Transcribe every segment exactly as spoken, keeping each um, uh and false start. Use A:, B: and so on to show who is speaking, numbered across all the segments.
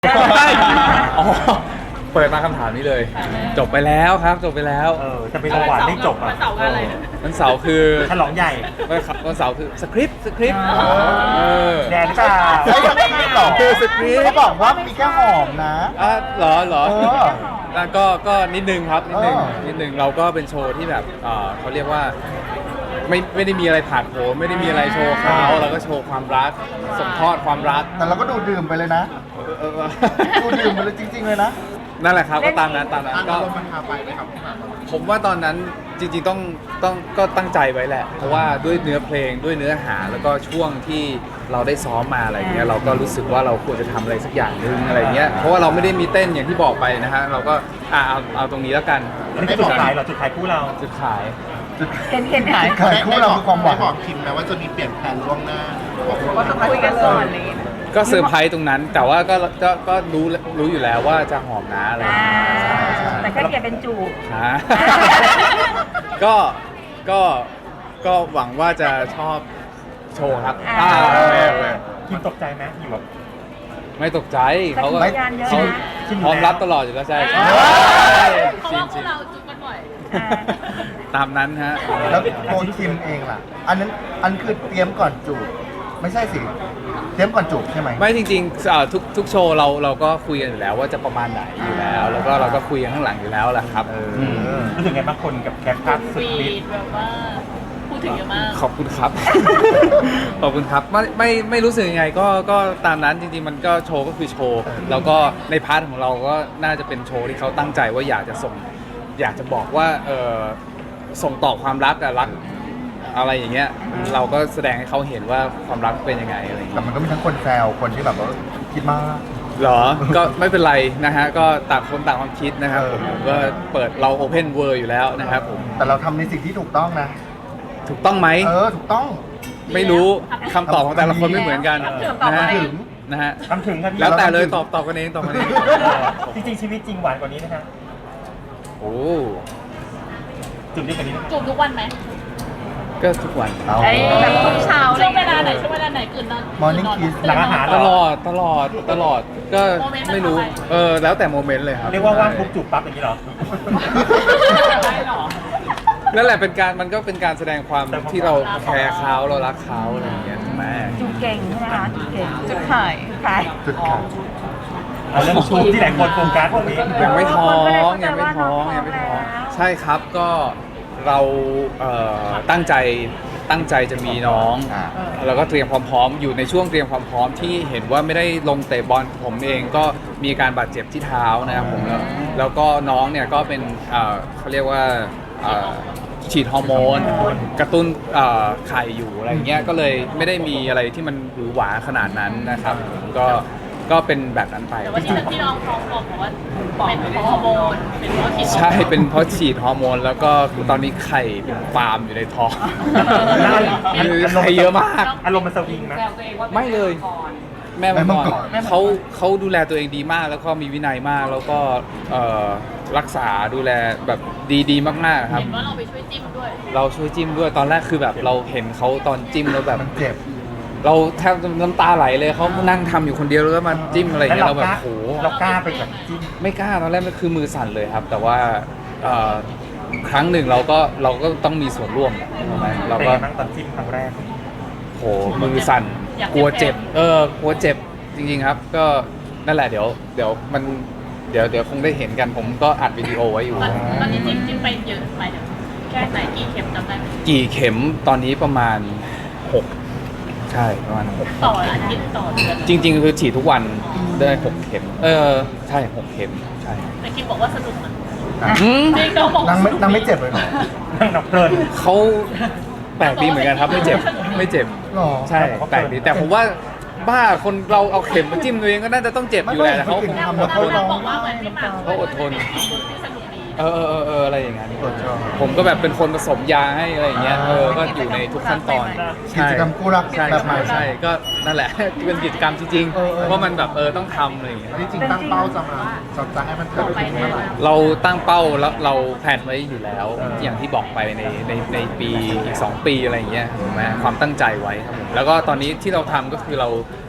A: ใช่อ๋อเปิดมาคำถามนี้เลย จบไปแล้วครับจบไปแล้ว
B: เออจะเป็นประวัติไม่จบอ่ะ
C: วันเสาร์อะไร
A: วันเสาร์คือ
B: ฉลองใหญ่
A: วันเสาร์คือสคริปต์สคริปต์เออ
B: แดนหรือเปล่า
D: เฮ้ยยังไม่มีหรอ
A: คือสคริปต์
D: เขาบอกว่ามีแค่หอมนะ
A: อ่ะเหรอเหรอ
D: เออ
A: แล้วก็ก็นิดนึงครับนิดนึง
D: เออ
A: นิดนึงเราก็เป็นโชว์ที่แบบเอ่อเขาเรียกว่าไม่ไม่ได้มีอะไรผ่านโผล่ไม่ได้มีอะไรโชว์เขาเราก็โชว์ความรักส่งทอดความรัก
D: แต่เราก็ดูดื่มไปเลยนะ
A: เออเออเออ
D: ดูดื่มไปเลยจริง ๆ เลยนะ
A: นั่นแหละครับก็ตามนั้นตามนั้นก็
D: มันพาไปไหมครับ
A: ผมว่าตอนนั้นจริงๆต้องต้องก็ตั้งใจไว้แหละ เพราะว่าด้วยเนื้อเพลงด้วยเนื้อหาแล้วก็ช่วงที่เราได้ซ้อมมาอะไรเงี้ยเราก็รู้สึกว่าเราควรจะทำอะไรสักอย่างหนึ่งอะไรเงี้ยเพราะว่าเราไม่ได้มีเต้นอย่างที่บอกไปนะฮะเราก็อ่ะเอาเอาตรงนี้แล้วกัน
B: นี่คือจุดขายเหรอจุดขายคู่เรา
A: จุดขาย
E: เห็นเห็นหาย
D: ขายคู่เราคือความหวัง
F: ได้บอกคิมไหมว่าจะมีเปลี่ยนแผนล่วงหน้าบอกล่วงห
E: ก็
F: น้า
E: ต้องคุยกันก่อนอะไรอย่างเงี้ย
A: ก็เซอร์ไพรส์ตรงนั้น แต่ว่าก็ก็ก็รู้รู้อยู่แล้วว่าจะหอมนะอะไร
E: อ่า
A: เงี้ย
E: แต่แค่เปลี่ยนเป็นจูบ
A: ฮะ ก็ก็ก็หวังว่าจะชอบโชว์ครับ
E: อ่า
A: อ่าโอเคโอเค
B: คิมตกใจไหมอยู่แบบ
A: ไม่ตกใจเขาก็
E: สัญญาณเยอะ
A: เขา
E: นะ
A: พร้อมรับตลอดอยู่แล้วใช่
C: เพราะ
A: จริ
C: ว่าง พ
A: จ
C: ว
A: ริ
C: ก
A: ง
C: เราจุดกันบ่อย
E: อ่า
A: ตามนั้นฮะ
D: แล้วตัวคิมเองล่ะ อันนั้นอันคือเตรียมก่อนจูบ ไม่ใช่สิ เตรียมก่อนจูบใช่ไหม
A: ไม่จริงๆอ่าทุกทุกโชว์เราเราก็คุยกันอยู่แล้วว่าจะประมาณไหนอยู่แล้ว แล้วก็เราก็คุยกันข้างหลังอยู่แล้วแหละครับ
D: ม
B: รู้สึกไงบางคนกับแคปภาพสุด
C: ฟี
B: ฤท
C: ด
B: ธิ์
C: แบบว่าพูดถึงเยอะมาก
A: ขอบคุณครับ ขอบคุณครับไม่ไม่ไม่รู้สึกยังไงก็ก็ตามนั้นจริงๆมันก็โชว์ก็คือโชว์แล้วก็ในพาร์ทของเราก็น่าจะเป็นโชว์ที่เขาตั้งใจว่าอยากจะส่ง อยากจะบอกว่าเออส่งต่อความรักอะรักอะไรอย่างเงี้ยเราก็แสดงให้เขาเห็นว่าความรักเป็นยังไงอะไรอย่าง
D: แต่
A: เงี้ย
D: มันก็มีทั้งคนแซวคนที่แบบว่าคิดมาก
A: เหรอ ก็ไม่เป็นไรนะฮะก็ต่างคนต่างความคิดนะครับผม
D: เออ
A: ผมก็เปิดเราโอเพนเวิร์อยู่แล้วนะครับผม
D: แต่เราทำในสิ่งที่ถูกต้องนะ
A: ถูกต้องไหม
D: เออ ถูกต้อง
A: ไม่รู้คำตอบของแต่ละคนไม่เหมือนกันนะฮะ
D: ถึง
A: นะฮะ
B: ทำถึงครับพี่
A: แล้วแต่เลยตอบตอบกันเองตอบกันเอง
B: จริงๆชีวิตจริงหวานกว่านี้นะฮะ
A: โอ้
B: จุดนี้กว่านี้นะ
C: จูบทุกวันไหม
A: ก็ทุกวัน
D: เอา
E: ไอ้แบบทุกเช้า
C: ช่วงเวลาไหนช่วงเวลาไหนตื่นนอน
D: Morning kiss
B: หลังอาหารเห
A: ต
B: ร
A: ล
B: อ
A: อดตลอดตลอดก็
C: โมเมนต์
A: ไม่รู้
C: มันทำไม
A: เออแล้วแต่โมเมนต์เลยครับ
B: เรียกว่าว่างปุ๊บจูบปั๊บอย่างนี้เหรอ
C: ได้หรอ
A: นั่นแหละเป็นการมันก็เป็นการแสดงความ
B: แสดงความ
A: ที่เราแคร์เขาเรารักเขาอะไรอย่างเงี้ยถูกไหม
E: จูบเก่งใช่ไหมคะจูบเก่งจุดขายขาย
D: จุดขาย
B: เอาเรื่องชูที่หลายคนโฟกัสตรงนี้
A: ยังไม่ท้อง
E: คนก็เลย
A: ยังไม่ท้อง
E: เข้าใจว่าน้อง
A: ยังไม่ท้อง
E: ท้องแล้ว
A: ใช่ครับก็เราเอ่อตั้งใจตั้งใจจะมีน้อง
D: อ่า
A: แล้วก็เตรียมความพร้อมอยู่ในช่วงเตรียมความพร้อมที่เห็นว่าไม่ได้ลงเตะบอลผมเองก็มีอาการบาดเจ็บที่เท้านะครับผมแล้วแล้วก็น้องเนี่ยก็เป็นเอ่อเขาเรียกว่าเอ่อฉีดฮอร์โมน กระตุ้นเอ่อไข่อยู่อะไรเงี้ยก็เลยไม่ได้มีอะไรที่มันหวือหวาขนาดนั้นนะครับก็ก็เป็นแบบนั้นไป
C: แต่ว่าที่ที่น้องท้องบอกว่าเป็นเพราะฮอร์โมนเป็นเพราะฉีดฮอร์โมน
A: ใช่เป็นเพราะฉีดฮอร์โมน แล้วก็ตอนนี้ไข่เป็นฟาร์มอยู่ในท้อง คือไข่เยอะมาก
B: อารมณ์มันสวิงนะ
A: ไม่เลย แม่
D: แม่มั
A: มั
D: ง
A: ง
D: ก
A: ก
D: ร
A: รเขาเขาดูแลตัวเองดีมาก แล้วก็มีวินัยมาก แล้วก็เอ่อรักษาดูแลแบบดีๆ มากๆครับ
C: เห็นว่าเราไปช่วยจิ้มด้วย
A: เราช่วยจิ้มด้วยตอนแรกคือแบบเราเห็นเขาตอนจิ้มแล้วแบบ
D: มันเจ็บ
A: เราแทบน้ำตาไหลเลยเขานั่งทำอยู่คนเดียวแล้วก็มาจิ้มอะไรอย่าง
B: แล้ว
A: เงี้ย
B: เรา
A: เรา
B: ก
A: แบบ
B: ล้า
A: โห
B: เรากล้าไปแบบจิ้ม
A: ไม่กล้าตอนแรกมันคือมือสั่นเลยครับ แต่ว่าเอ่อครั้งหนึ่งเราก็เราก็ต้องมีส่วนร่วมถูกไหมเรา
B: เป็น
A: ก็
B: ไงบ้างตอนจิ้มครั้งแรก
A: โหมือสั่น
C: อยากเจ็บ
A: กลัวเจ็บ เออกลัวเจ็บจริงๆครับ ก็นั่นแหละเดี๋ยวเดี๋ยวมันเดี๋ยวเดี๋ยวคงได้เห็นกันผมก็อัดวิดีโอไว้อยู่
C: ตอนตอนนี้จิ้มจิ้มไปเยอะไปเดี๋ยวแค่ไหนกี่เข็มจำได้ไหม
A: กี่เข็มตอนนี้ประมาณหกใช่ประมาณหก
C: ต่ออาทิตย์ต่อเดือน
A: จริง ๆ คือฉีดทุกวันได้หกเข็ม เออใช่หกเข็มใช่
C: แต่คิมบอกว่าสนุกนะ
A: อืม
C: จริงเขาบอก
D: นั่งไม่นั่งไม่เจ็บเลยเหรอ
B: นั่งนับเพลิน
A: เขาแปลกดีเหมือนกันครับไม่เจ็บไม่เจ็บ
D: หรอ
A: ใช่แปลกดีแต่ผมว่าบ้าคนเราเอาเข็มมาจิ้มตัวเองก็น่าจะต้องเจ็บอยู่แหละแต่เขาคง
C: แต่
A: ทำ
C: เรา
A: อดทน
C: บอกว่าเหมือนพี่หมาก
A: เขาอดทน
C: ที่สนุกดี
A: เออเออเออเอออะไรอย่างเงี้ย
D: อดทน
A: ผมก็แบบเป็นคนผสมยาให้อะไรอย่างเงี้ยเออก็อยู่ในทุกขั้นตอน
D: กิจกรรมคู่รัก
A: ใช่
D: แบบใหม่
A: ใช่ใช่ก็นั่นแหละ เป็นกิจกรรมจริง
D: เออเออ
A: ๆเพราะมันแบบเออต้องทำอะไรอย่างเงี้ย
F: ที่จริงตั้งเป้าจะมาจะจะให้มันเกิดขึ้นเมื่อไหร่
A: เราตั้งเป้าแล้วเราแผนไว้อยู่แล้ว อย่างที่บอกไปในในในปีอีกสองปีอะไรอย่างเงี้ยถูกไหมความตั้งใจไว้ครับผมแล้วก็ตอนนี้ที่เราทำก็คือเรา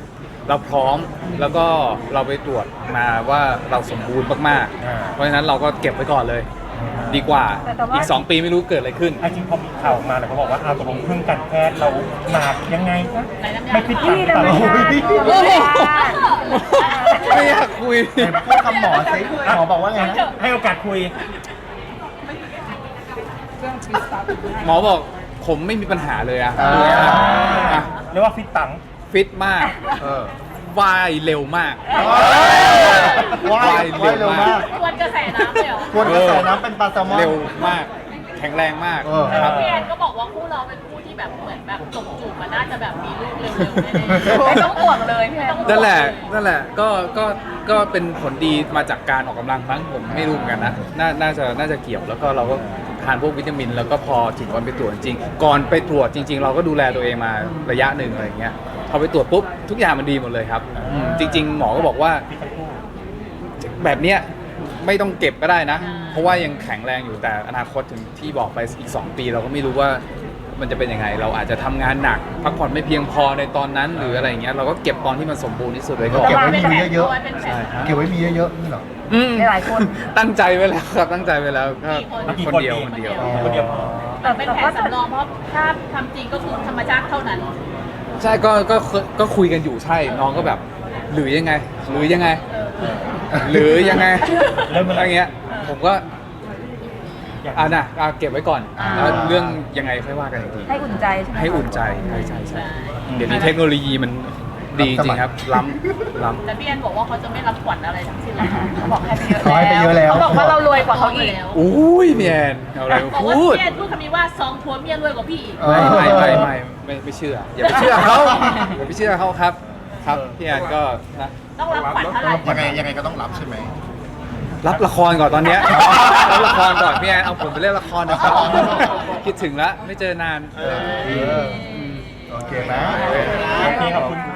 A: เราพร้อมแล้วก็เราไปตรวจมาว่าเราสมบูรณ์มาก
B: อ่า
A: ๆเพราะฉะนั้นเราก็เก็บไว้ก่อนเลย ดีกว่า
E: แต่แต่ว่า
A: อีกสองปีไม่รู้เกิดอะไรขึ้น
B: ไอ้จริงพอมีข่าวมาเลยเขาบอกว่าเอาตกลงเครื่องการแพทย์เราหนักยังไงนะไม่คิด
E: ที่
B: ตัง
E: ธรรม
B: ค์
E: ชาติ
A: โอ้โห ไม่อยากคุย
D: ไหนพูดคำหมอสิหมอบอกว่าไงนะ
B: ให้โอกาสคุย
A: หมอบอกผมไม่มีปัญหาเลยอะ
D: อ่า
A: อ่ะ
B: เรียกว่าฟิตตังค์
A: ฟิตมาก
D: เออ
A: ว่ายเร็วมาก
D: ว่ายว่ายเร็วมาก
C: ควรกระแสน้ำเลยเหรอ
D: ควรกระแสน้ำเป็นปลาแซลมอน
A: เร็วมาก แข็งแรงมาก
D: เออ
A: ครับ
C: พี่แอนก็บอกว่าคู่เราเป็นคู่ที่แบบเหมือนแบบจบจูบมันน่าจะแบบมีลูกเร็วๆแน่
E: ไม่ต้องห่วงเลยพี่แอน
A: นั่นแหละ นั่นแหละ ก็ ก็ ก็เป็นผลดีมาจากการออกกำลังมั้งผมไม่รู้เหมือนกันนะ น่า น่าจะ น่าจะเกี่ยว แล้วก็เราก็ทานพวกวิตามิน แล้วก็พอถึงวันไปตรวจจริงๆก่อนไปตรวจจริง ๆ เราก็ดูแลตัวเองมาระยะหนึ่งอะไรอย่างเงี้ย พอไปตรวจปุ๊บทุกอย่างมันดีหมดเลยครับอืมจริง ๆ หมอก็บอกว่า
B: ฟิตทั้งคู่
A: แบบเนี้ยไม่ต้องเก็บก็ได้นะ เพราะว่ายังแข็งแรงอยู่แต่อนาคตถึงที่บอกไปอีก สอง ปี เราก็ไม่รู้ว่ามันจะเป็นยังไง เราอาจจะทำงานหนักพักผ่อนไม่เพียงพอในตอนนั้นหรืออะไรอย่างเงี้ยเราก็เก็บตอนที่มันสมบูรณ์ที่สุดไว้ก่อน
D: เก็บไว้มีเยอะ
C: เป็นแผ
A: ใช่
C: น
A: ครับ
D: เก็บไว้มีเยอะๆนี่เหรอ
A: อืม
E: หลายคน
A: ตั้งใจไว้แล้วครับตั้งใจไว้แล้วก็
B: กี่
A: คน
B: คน
A: เดียว
B: ดี
A: คนเดียว
D: อ๋อ
B: คนเดียวพอ
E: แต่
C: เป็น
E: แต่
C: แผ
E: ก็
C: นสำรองเพราะถ้าทำจริงก็คือธรรมชาติเท่านั้น
A: ใช่ก็ก็ก็คุยกันอยู่ใช่น้องก็แบบหรือยังไง หรือยังไง หรือยังไง
B: เริ่มเมื่อไหร่
A: อะไรเงี้ยผมก็
B: อยาก
A: อ่านะอ่ะเก็บไว้ก่อน
E: อ่า
A: แล้วเรื่องยังไงค่อยว่ากันอีกที
E: ให้อุ่นใจใช่ไหม
A: ให้อุ่นใจใช่ใช่ใช่เดี๋ยวนี้เทคโนโลยีมันดีจริงครับ ล้ำล้ำ
C: แต่พี่แอนบอกว่าเขาจะไม่รับขวัญอะไรทั้งสิ้นเลย
E: เขาบอกให้ไปเยอะ
D: เขาให้ไปเยอะแล้ว
E: เขาบอกว่าเรารวยกว่าเขาอีก
C: แล้ว
A: อุ้ยพี่แอนเอาอะไรมา
C: บอกว่า
A: พูด
C: พี่แอนพูดคำนี้ว่าสองผัวเมียรวยกว่าพี่อีก
D: เออ
A: ไม่ไม่ไม่ไม่ไม่ไม่เชื่อ อย่าไปเชื่อเขาอย่าไปเชื่อเขาครับ ครับพี่แอนก็นะ
C: ต้องรับขวัญเท่าไหร่
F: ยังไงยังไงก็ต้องรับใช่ไหม
A: รับละครก่อนตอนเนี้ยรับละครก่อนพี่แอนเอาผมไปเล่นละครนะครับคิดถึงแล้วไม่เจอนาน
D: เออโอเคนะ
B: โอเคขอบคุณ